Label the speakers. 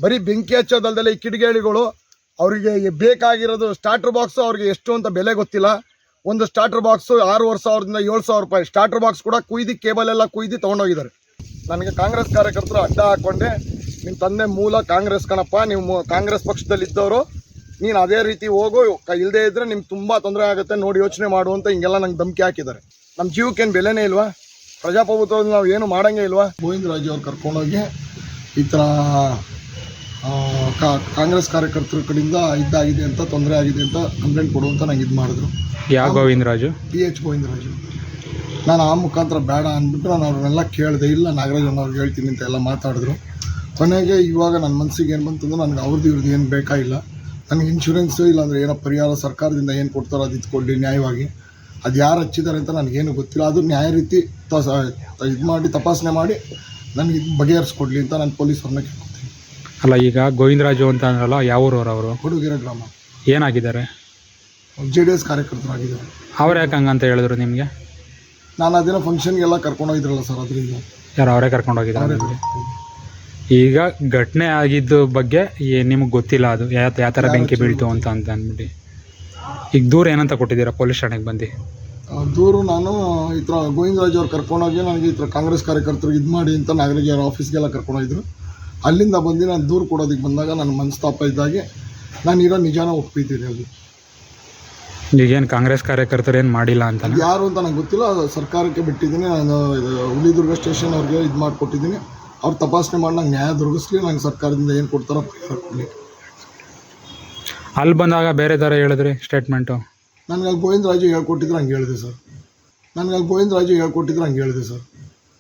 Speaker 1: ಬರೀ ಬೆಂಕಿ ಹಚ್ಚೋದಲ್ದಲ್ಲೇ ಈ ಕಿಡಿಗೇಡಿಗಳು ಅವರಿಗೆ ಬೇಕಾಗಿರೋದು ಸ್ಟಾರ್ಟರ್ ಬಾಕ್ಸ್ ಅವ್ರಿಗೆ ಎಷ್ಟು ಅಂತ ಬೆಲೆ ಗೊತ್ತಿಲ್ಲ. ಒಂದು ಸ್ಟಾರ್ಟರ್ ಬಾಕ್ಸ್ 6,500 7,000 ರೂಪಾಯಿ ಸ್ಟಾರ್ಟರ್ ಬಾಕ್ಸ್ ಕೂಡ ಕುಯ್ದು ಕೇಬಲ್ ಎಲ್ಲ ಕುಯ್ದು ತೊಗೊಂಡೋಗಿದ್ದಾರೆ. ನನಗೆ ಕಾಂಗ್ರೆಸ್ ಕಾರ್ಯಕರ್ತರು ಅಡ್ಡ ಹಾಕ್ಕೊಂಡೆ, ನಿಮ್ಮ ತಂದೆ ಮೂಲ ಕಾಂಗ್ರೆಸ್ ಕಣಪ್ಪ, ನೀವು ಕಾಂಗ್ರೆಸ್ ಪಕ್ಷದಲ್ಲಿದ್ದವರು, ನೀನು ಅದೇ ರೀತಿ ಹೋಗು, ಇಲ್ಲದೇ ಇದ್ದರೆ ನಿಮ್ಗೆ ತುಂಬ ತೊಂದರೆ ಆಗುತ್ತೆ, ನೋಡಿ ಯೋಚನೆ ಮಾಡು ಅಂತ ಹಿಂಗೆಲ್ಲ ನಂಗೆ ಧಮಕಿ ಹಾಕಿದ್ದಾರೆ. ನಮ್ಮ ಜೀವಕ್ಕೇನು ಬೆಲೆನೇ ಇಲ್ವಾ? ಪ್ರಜಾಪ್ರಭುತ್ವದಲ್ಲಿ ನಾವು ಏನು ಮಾಡೋಂಗೇ ಇಲ್ವಾ? ಗೋವಿಂದರಾಜು ಅವ್ರು ಕರ್ಕೊಂಡೋಗಿ ಈ ಥರ ಕಾಂಗ್ರೆಸ್ ಕಾರ್ಯಕರ್ತರ ಕಡೆಯಿಂದ ಇದಾಗಿದೆ ಅಂತ, ತೊಂದರೆ ಆಗಿದೆ ಅಂತ ಕಂಪ್ಲೇಂಟ್ ಕೊಡುವಂತ ನಂಗೆ ಇದು ಮಾಡಿದ್ರು.
Speaker 2: ಯಾವ ಗೋವಿಂದರಾಜು?
Speaker 1: PH ಗೋವಿಂದರಾಜು. ನಾನು ಆ ಮುಖಾಂತರ ಬೇಡ ಅಂದ್ಬಿಟ್ಟು ನಾನು ಅವ್ರನ್ನೆಲ್ಲ ಕೇಳಿದೆ. ಇಲ್ಲ ನಾಗರಾಜ್ ಅವ್ರಿಗೆ ಹೇಳ್ತೀನಿ ಅಂತ ಎಲ್ಲ ಮಾತಾಡಿದ್ರು. ಕೊನೆಗೆ ಇವಾಗ ನನ್ನ ಮನಸ್ಸಿಗೆ ಏನು ಬಂತಂದ್ರೆ ನನಗೆ ಇವ್ರದ್ದು ಏನು ಬೇಕಾಗಿಲ್ಲ, ನನಗೆ ಇನ್ಶೂರೆನ್ಸು ಇಲ್ಲಾಂದರೆ ಏನೋ ಪರಿಹಾರ ಸರ್ಕಾರದಿಂದ ಏನು ಕೊಡ್ತಾರೋ ಅದು ಇದ್ಕೊಡ್ಲಿ ನ್ಯಾಯವಾಗಿ. ಅದು ಯಾರು ಹಚ್ಚಿದ್ದಾರೆ ಅಂತ ನನಗೇನು ಗೊತ್ತಿಲ್ಲ, ಅದು ನ್ಯಾಯ ರೀತಿ ಇದು ಮಾಡಿ ತಪಾಸಣೆ ಮಾಡಿ ನನಗೆ ಇದು ಬಗೆಹರಿಸ್ಕೊಡ್ಲಿ ಅಂತ ನಾನು ಪೊಲೀಸರನ್ನ ಕೇಳ್ಕೊತೀನಿ.
Speaker 2: ಅಲ್ಲ, ಈಗ ಗೋವಿಂದರಾಜು ಅಂತ ಅಂದ್ರಲ್ಲ, ಯಾವ ಊರವರು ಅವರು?
Speaker 1: ಹುಡುಗಿರ ಗ್ರಾಮ.
Speaker 2: ಏನಾಗಿದ್ದಾರೆ?
Speaker 1: JDS ಕಾರ್ಯಕರ್ತರಾಗಿದ್ದಾರೆ.
Speaker 2: ಅವ್ರು ಯಾಕೆ ಹಂಗಂತ ಹೇಳಿದ್ರು ನಿಮಗೆ?
Speaker 1: ನಾನು ಅದಿನ ಫಂಕ್ಷನ್ಗೆಲ್ಲ ಕರ್ಕೊಂಡೋಗಿದ್ರಲ್ಲ ಸರ್, ಅದರಿಂದ.
Speaker 2: ಯಾರು ಅವರೇ ಕರ್ಕೊಂಡೋಗಿದ್ದಾರೆ? ಈಗ ಘಟನೆ ಆಗಿದ್ದು ಬಗ್ಗೆ ನಿಮಗೆ ಗೊತ್ತಿಲ್ಲ, ಅದು ಯಾವ ಥರ ಬೆಂಕಿ ಬೀಳ್ತು ಅಂತ ಅಂದ್ಬಿಟ್ಟು. ಈಗ ದೂರ ಏನಂತ ಕೊಟ್ಟಿದ್ದೀರಾ ಪೊಲೀಸ್ ಠಾಣೆಗೆ ಬಂದು?
Speaker 1: ದೂರು ನಾನು ಈ ಥರ ಗೋವಿಂದರಾಜ್ ಅವ್ರು ಕರ್ಕೊಂಡೋಗಿ ನನಗೆ ಈ ಥರ ಕಾಂಗ್ರೆಸ್ ಕಾರ್ಯಕರ್ತರು ಇದು ಮಾಡಿ ಅಂತ ನಾಗರಾಜ್ ಅವ್ರ ಆಫೀಸ್ಗೆಲ್ಲ ಕರ್ಕೊಂಡೋಗಿದ್ರು. ಅಲ್ಲಿಂದ ಬಂದು ನಾನು ದೂರು ಕೊಡೋದಕ್ಕೆ ಬಂದಾಗ ನನ್ನ ಮನಸ್ತಾಪ ಇದ್ದಾಗೆ ನಾನು ಇರೋ ನಿಜಾನ ಒಪ್ಪಿದ್ದೀನಿ. ಅದು
Speaker 2: ಈಗೇನು ಕಾಂಗ್ರೆಸ್ ಕಾರ್ಯಕರ್ತರು ಏನು ಮಾಡಿಲ್ಲ ಅಂತ
Speaker 1: ಯಾರು ಅಂತ ನಂಗೆ ಗೊತ್ತಿಲ್ಲ, ಅದು ಸರ್ಕಾರಕ್ಕೆ ಬಿಟ್ಟಿದ್ದೀನಿ. ನಾನು ಹುಲಿದುರ್ಗ ಸ್ಟೇಷನ್ ಅವ್ರಿಗೆ ಇದು ಮಾಡಿಕೊಟ್ಟಿದ್ದೀನಿ. ಅವ್ರು ತಪಾಸಣೆ ಮಾಡಿ ನಂಗೆ ನ್ಯಾಯ ದೊರಕಿಸ್ಲಿ, ನಂಗೆ ಸರ್ಕಾರದಿಂದ ಏನು ಕೊಡ್ತಾರೋ ಪರಿಹಾರ ಕೊಡಲಿ.
Speaker 2: ಅಲ್ಲಿ ಬಂದಾಗ ಬೇರೆ ಥರ ಹೇಳಿದ್ರಿ ಸ್ಟೇಟ್ಮೆಂಟು?
Speaker 1: ನನಗೆ ಗೋವಿಂದರಾಜು ಹೇಳ್ಕೊಟ್ಟಿದ್ರು ಹಂಗೆ ಹೇಳಿದೆ ಸರ್.